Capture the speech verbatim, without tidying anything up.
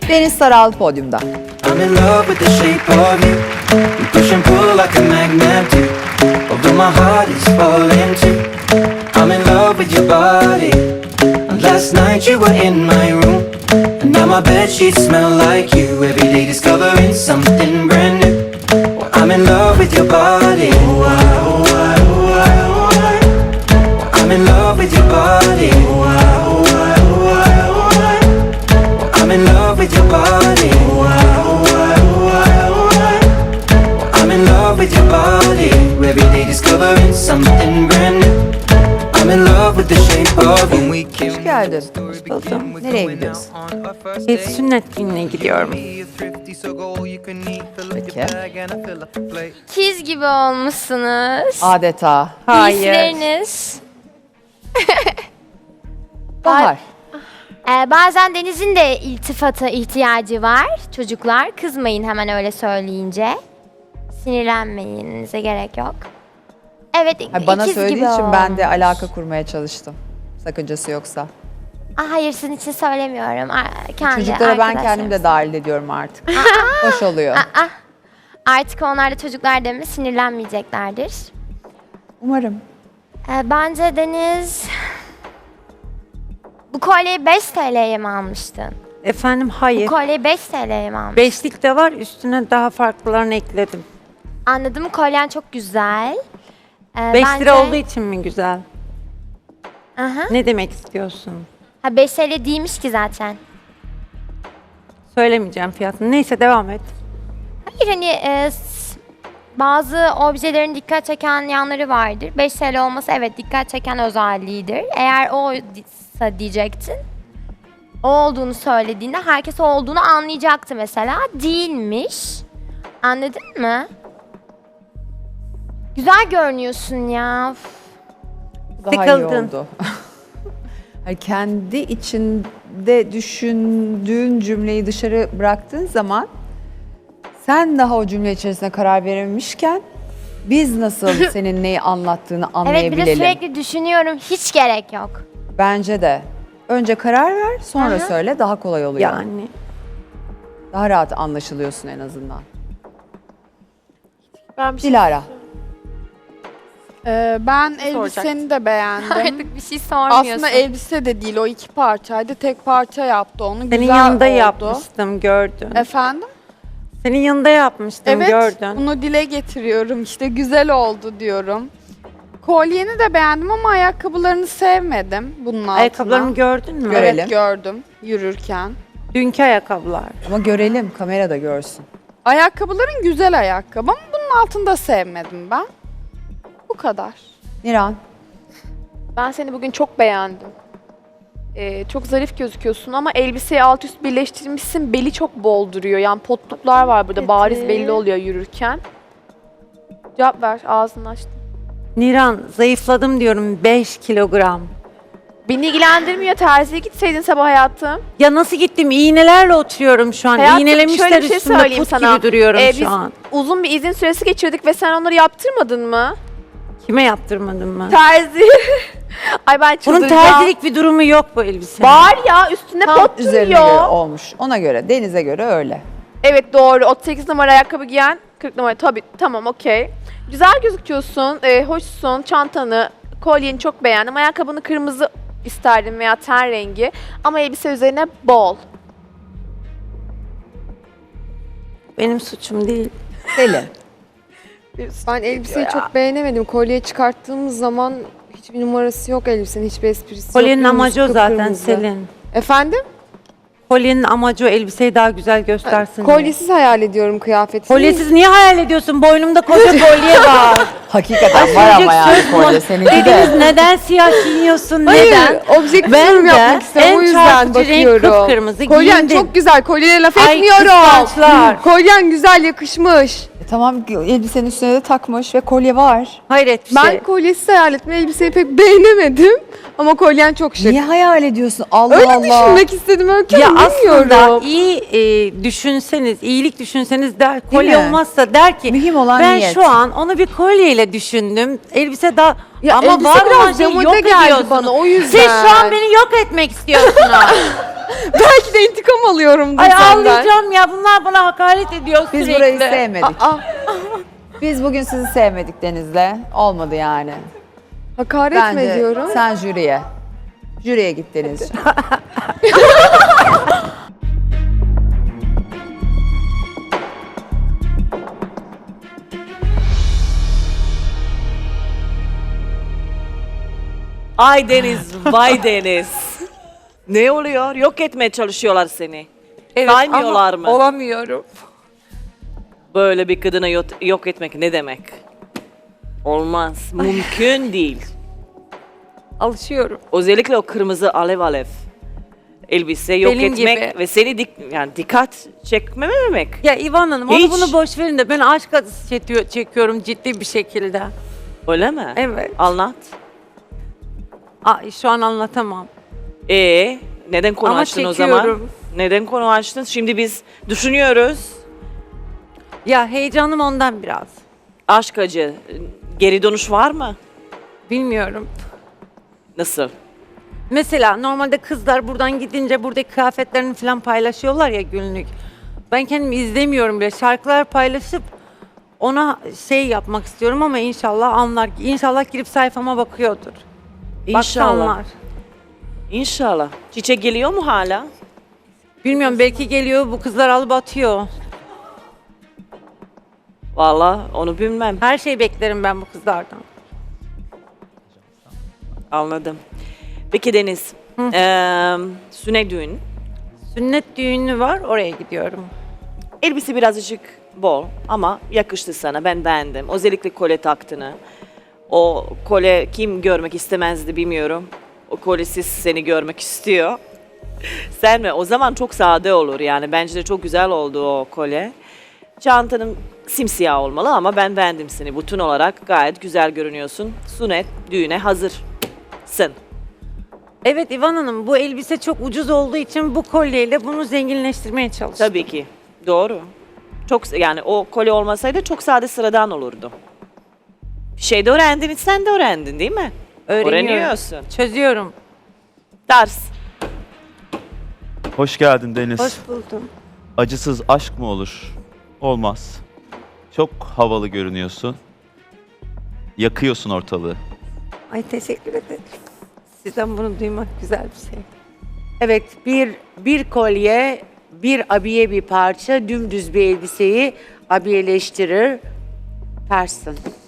Deniz Saral podyumda. I'm in love with the shape of you. We push and pull like a magnet do. Although my heart is falling too. I'm in love with your body. And last night you were in my room. And now my bedsheets smell like you. Every day discovering something brand new. Well, I'm in love with your body. Oh, I, oh, I, oh, I, oh, I. Well, I'm in love with your body. Oh, I, oh, I, oh, I, oh, I. Well, I'm in love with your body. Oh, I, oh, I, oh, I, oh, I. Well, I'm in love with your body. Every day discovering something brand new. I'm in love with the shape of you. Hoş geldin. Buldum. Nereye gidiyorsun? Bir sünnet düğününe gidiyorum. Peki. İkiz gibi olmuşsunuz. Adeta. Hayır. Giysileriniz. Bahar. Ee, bazen Deniz'in de iltifata ihtiyacı var. Çocuklar kızmayın hemen öyle söyleyince. Sinirlenmeyinize gerek yok. Evet, Hayır, bana ikiz söylediği gibi için ben de olmuş. alaka kurmaya çalıştım. Sakıncası yoksa. Aa, hayır, sizin için söylemiyorum. Aa, Kendi Çocuklara ben kendim de arkadaşlarım. dahil ediyorum artık. Hoş oluyor. Aa, artık onlar da çocuklar deme sinirlenmeyeceklerdir. Umarım. Ee, bence Deniz... Bu kolyeyi beş T L'ye mi almıştın? Efendim Bu hayır. kolyeyi beş T L'ye mi almıştın? Beşlik de var, üstüne daha farklılarını ekledim. Anladım, kolyen çok güzel. Ee, Beş bence- lira olduğu için mi güzel? Aha. Ne demek istiyorsun? Ha, beş T L değilmiş ki zaten. Söylemeyeceğim fiyatını. Neyse devam et. Hayır, hani e, s- bazı objelerin dikkat çeken yanları vardır. beş T L olması evet dikkat çeken özelliğidir. Eğer oysa diyecektin. O olduğunu söylediğinde herkes o olduğunu anlayacaktı mesela. Değilmiş. Anladın mı? Güzel görünüyorsun ya. Üf. Daha iyi Sıkıldın. oldu. Hani kendi içinde düşündüğün cümleyi dışarı bıraktığın zaman sen daha o cümle içerisine karar verememişken biz nasıl senin neyi anlattığını Evet, bir anlayabilelim. de sürekli düşünüyorum. Hiç gerek yok. Bence de. Önce karar ver, sonra Hı hı. söyle, daha kolay oluyor. Yani. Daha rahat anlaşılıyorsun en azından. Ben bir şey, Dilara. Ee, ben elbiseni de beğendim. Artık bir şey sormuyorsun. Aslında elbise de değil, o iki parçaydı. Tek parça yaptı onu. Senin Güzel yanında oldu. yapmıştım, gördün. Efendim? Senin yanında yapmıştım, Evet, gördün. bunu dile getiriyorum. İşte güzel oldu diyorum. Kolyeni de beğendim ama ayakkabılarını sevmedim bunun altına. Ayakkabılarımı gördün mü? Görelim. Evet, gördüm yürürken. Dünkü ayakkabılar. Ama görelim, kamera da görsün. Ayakkabıların güzel ayakkabı ama bunun altında sevmedim ben. Bu kadar. Niran. Ben seni bugün çok beğendim. Ee, çok zarif gözüküyorsun ama elbiseyi alt üst birleştirmişsin. Beli çok bol duruyor. Yani potluklar var burada. Evet. Bariz belli oluyor yürürken. Cevap ver. Ağzını açtın. Niran, zayıfladım diyorum beş kilogram. Beni ilgilendirmiyor. Terziye gitseydin sabah hayatım. Ya nasıl gittim? İğnelerle oturuyorum şu an. Hayatım, İğnelemişler şöyle bir şey üstümde söyleyeyim put sana. gibi duruyorum Ee, şu biz an. uzun bir izin süresi geçirdik ve sen onları yaptırmadın mı? Kime yaptırmadın mı? Terzi. Ay ben Bunun çıldıracağım. terzilik bir durumu yok bu elbisenin. Var ya üstünde Tam pot üzerine göre duruyor. olmuş. Ona göre, Deniz'e göre öyle. Evet doğru. otuz sekiz numara ayakkabı giyen kırk numara. Tabii tamam okey. Güzel gözüküyorsun. E, hoşsun. Çantanı, kolyeni çok beğendim. Ayakkabını kırmızı isterdim veya ten rengi. Ama elbise üzerine bol. Benim suçum değil. Selin. Ben elbiseyi çok beğenemedim. Kolye çıkarttığımız zaman hiçbir numarası yok elbisenin, hiçbir esprisi Kolyenin yok. amacı o zaten Kıpkırmızı. Selin. Efendim? Kolyenin amacı o elbiseyi daha güzel göstersin diye. Kolyesiz hayal ediyorum kıyafeti. Kolyesiz niye hayal ediyorsun? Boynumda koca kolye var. Hakikaten var ama yani kolye seninki Dediniz de. neden siyah giyiyorsun? Hayır, Neden? objektif Ben yorum de yapmak istiyorum. en O yüzden çarpıcı renk bakıyorum. kıpkırmızı Kolyen giyindim. çok güzel. Kolyene laf Ay, etmiyorum. kıskançlar. Kolyen güzel, yakışmış. E, tamam, elbisenin üstüne de takmış ve kolye var. Hayret bir Ben şey. kolyesiz hayal etme elbiseyi pek beğenemedim. Ama kolyen çok şık. Niye hayal ediyorsun? Allah Öyle Allah. düşünmek istedim Öykü Ya Hanım, aslında bilmiyorum. iyi e, düşünseniz, iyilik düşünseniz der, Değil kolye mi? olmazsa der ki Mühim olan ben niyet. şu an onu bir kolyeyle düşündüm. Elbise daha Ya ama elbise var olan biraz şeyi demode yok geldi ediyorsunuz. bana, o yüzden. Siz şu an beni yok etmek istiyorsunuz. Belki de intikam alıyorum Ay senden. ağlayacağım ya. Bunlar bana hakaret ediyor Biz sürekli. burayı sevmedik. Aa, Biz bugün sizi sevmedik Deniz'le. Olmadı yani. hakaret mi Bence ediyorum? sen jüriye. Jüriye git Deniz'ciğim. Ay Deniz, vay Deniz. Ne oluyor? Yok etmeye çalışıyorlar seni. Evet, Saymıyorlar ama mı? olamıyorum. Böyle bir kadına yok, yok etmek ne demek? Olmaz. Mümkün değil. Alışıyorum. Özellikle o kırmızı alev alev elbise yok Benim etmek gibi. ve seni dik, yani dikkat çekmememek. Ya İvan Hanım Hiç. onu bunu boş verin de ben aşk acısı çekiyor, çekiyorum ciddi bir şekilde. Öyle mi? Evet. Anlat. Ay, şu an anlatamam. Ee, neden konu Ama açtın o zaman? çekiyorum. Neden konu açtın? Şimdi biz düşünüyoruz. Ya heyecanım ondan biraz. Aşk acı. Geri dönüş var mı? Bilmiyorum. Nasıl? Mesela normalde kızlar buradan gidince buradaki kıyafetlerini falan paylaşıyorlar ya günlük. Ben kendimi izlemiyorum bile. Şarkılar paylaşıp ona şey yapmak istiyorum ama inşallah anlar. İnşallah girip sayfama bakıyordur. Baksa İnşallah. anlar. İnşallah. Çiçek geliyor mu hala? Bilmiyorum belki geliyor bu kızlar alıp atıyor. Vallahi onu bilmem. Her şeyi beklerim ben bu kızlardan. Anladım. Peki Deniz, eee sünnet düğün. Sünnet düğünü var oraya gidiyorum. Elbise birazcık bol ama yakıştı sana. Ben beğendim. Özellikle kolye taktığını. O kolye kim görmek istemezdi bilmiyorum. O kolyesiz seni görmek istiyor. Sen mi? O zaman çok sade olur yani. Bence de çok güzel oldu o kolye. Çantanın simsiyah olmalı ama ben beğendim seni. Bütün olarak gayet güzel görünüyorsun. Sünnet düğüne hazırsın. Evet İvan Hanım bu elbise çok ucuz olduğu için bu kolyeyle bunu zenginleştirmeye çalıştım. Tabii ki. Doğru. Çok yani o kolye olmasaydı çok sade sıradan olurdu. Bir şey de öğrendin, sen de öğrendin değil mi? Öğreniyorum. Öğreniyorsun. Çözüyorum. Ders. Hoş geldin Deniz. Hoş buldum. Acısız aşk mı olur? Olmaz. Çok havalı görünüyorsun. Yakıyorsun ortalığı. Ay teşekkür ederim. Sizden bunu duymak güzel bir şey. Evet bir bir kolye, bir abiye bir parça, dümdüz bir elbiseyi abiyeleştirir. Person.